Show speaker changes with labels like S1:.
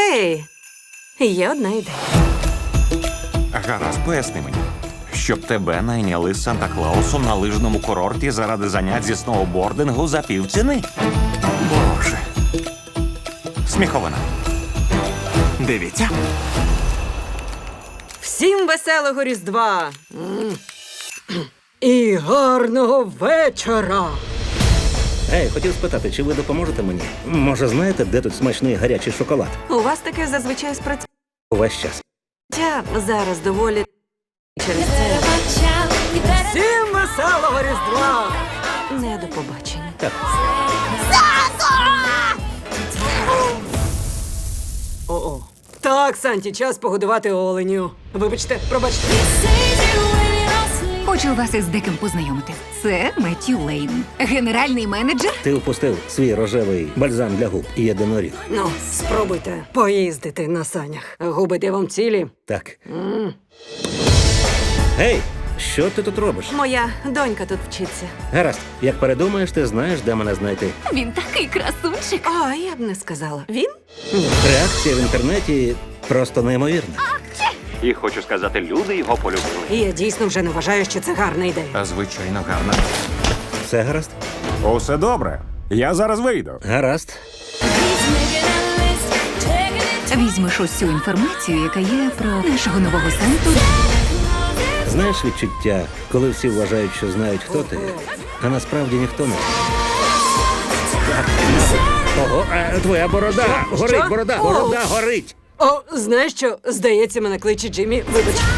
S1: Гей, є одна ідея.
S2: Гаразд, поясни мені. Щоб тебе найняли з Санта-Клаусом на лижному курорті заради занять зі сноубордингу за півціни? Боже. Сміховина. Дивіться.
S1: Всім веселого Різдва! І гарного вечора!
S3: Ей, хотів спитати, чи ви допоможете мені? Може, знаєте, де тут смачний гарячий шоколад?
S1: У вас таке зазвичай спрацює.
S3: Увесь час.
S1: Зараз доволі через це. Всім веселого Різдва! Не до побачення.
S3: Так.
S1: О-о. Так, Санті, час погодувати оленю. Вибачте, пробачте.
S4: Хочу вас із деким познайомити. Це Меттью Лейн, генеральний менеджер.
S3: Ти впустив свій рожевий бальзам для губ і єдиноріг.
S1: Ну, спробуйте поїздити на санях. Губи де вам цілі.
S3: Так. Гей, що ти тут робиш?
S1: Моя донька тут вчиться.
S3: Гаразд, як передумаєш, ти знаєш, де мене знайти.
S4: Він такий красунчик.
S1: А, я б не сказала. Він?
S3: Реакція в інтернеті просто неймовірна.
S2: І хочу сказати, люди його полюбили.
S1: І я дійсно вже не вважаю, що це гарна ідея.
S2: А звичайно, гарно.
S3: Все гаразд?
S2: Усе добре. Я зараз вийду.
S3: Гаразд.
S4: Візьмеш ось цю інформацію, яка є про нашого нового Санту.
S3: Знаєш відчуття, коли всі вважають, що знають, хто ти, а насправді ніхто не. Ого, твоя борода!
S1: Що?
S3: Горить,
S1: Що?
S3: борода!
S1: О!
S3: Борода горить!
S1: О, знаєш що? Здається, мене кличе Джиммі. Вибач.